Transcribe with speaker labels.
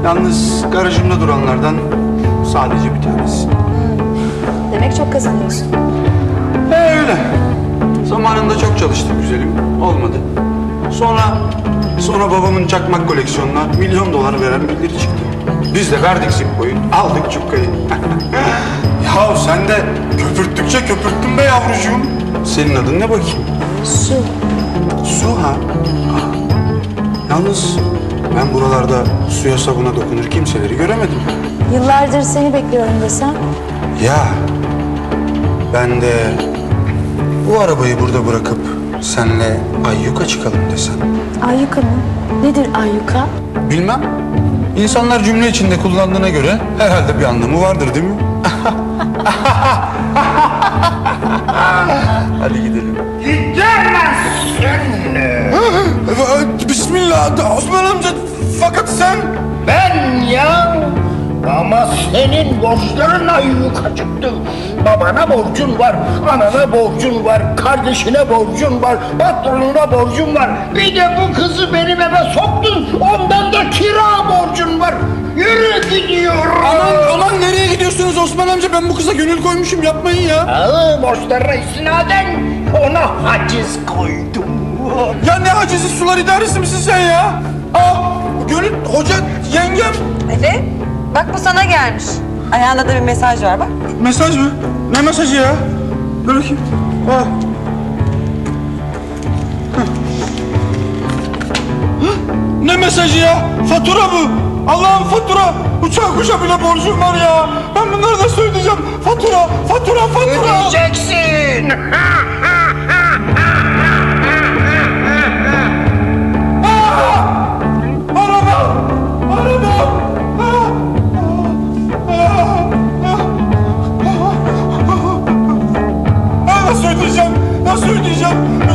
Speaker 1: Yalnız garajımda duranlardan sadece bir tanesi.
Speaker 2: Demek çok kazanıyorsun.
Speaker 1: Öyle. Zamanında çok çalıştık güzelim. Olmadı. Sonra babamın çakmak koleksiyonuna $1 milyon veren birileri çıktı. Biz de verdik Zippo'yu, aldık cukkayı. Ya sen de köpürttükçe köpürttün be yavrucuğum. Senin adın ne bakayım?
Speaker 2: Su.
Speaker 1: Su ha? Ah. Yalnız ben buralarda suya sabuna dokunur kimseleri göremedim.
Speaker 2: Yıllardır seni bekliyorum desem.
Speaker 1: Ya ben de bu arabayı burada bırakıp senle Ayyuka çıkalım desem.
Speaker 2: Ayyuka mı? Nedir ayyuka?
Speaker 1: Bilmem. İnsanlar cümle içinde kullandığına göre herhalde bir anlamı vardır değil mi? Hadi gidelim.
Speaker 3: Gidemezsin.
Speaker 1: Bismillah Osman amca. Fakat sen...
Speaker 3: Ben ya. Ama senin borçların ayyuka çıktı. Babana borcun var, anana borcun var, kardeşine borcun var, patronuna borcun var. Bir de bu kızı benim eve soktun, ondan da kira borcun var. Yürü gidiyorum.
Speaker 1: Aman nereye gidiyorsunuz Osman amca? Ben bu kıza gönül koymuşum, yapmayın ya.
Speaker 3: Borçlarına istinaden ona haciz koydum.
Speaker 1: Ya ne hacizi, sular idaresi misin sen ya? Gönül hoca yengem.
Speaker 4: Ali, bak bu sana gelmiş. Ayağında da bir mesaj var bak.
Speaker 1: Mesaj mı? Ne mesajı ya? Dur bakayım. Ne mesajı ya? Fatura bu. Allah'ım fatura. Uçak kuşa bile borcum var ya. Ben bunları nasıl ödeyeceğim? Fatura.
Speaker 3: Ödeyeceksin.
Speaker 1: Nasıl ödeyeceğim?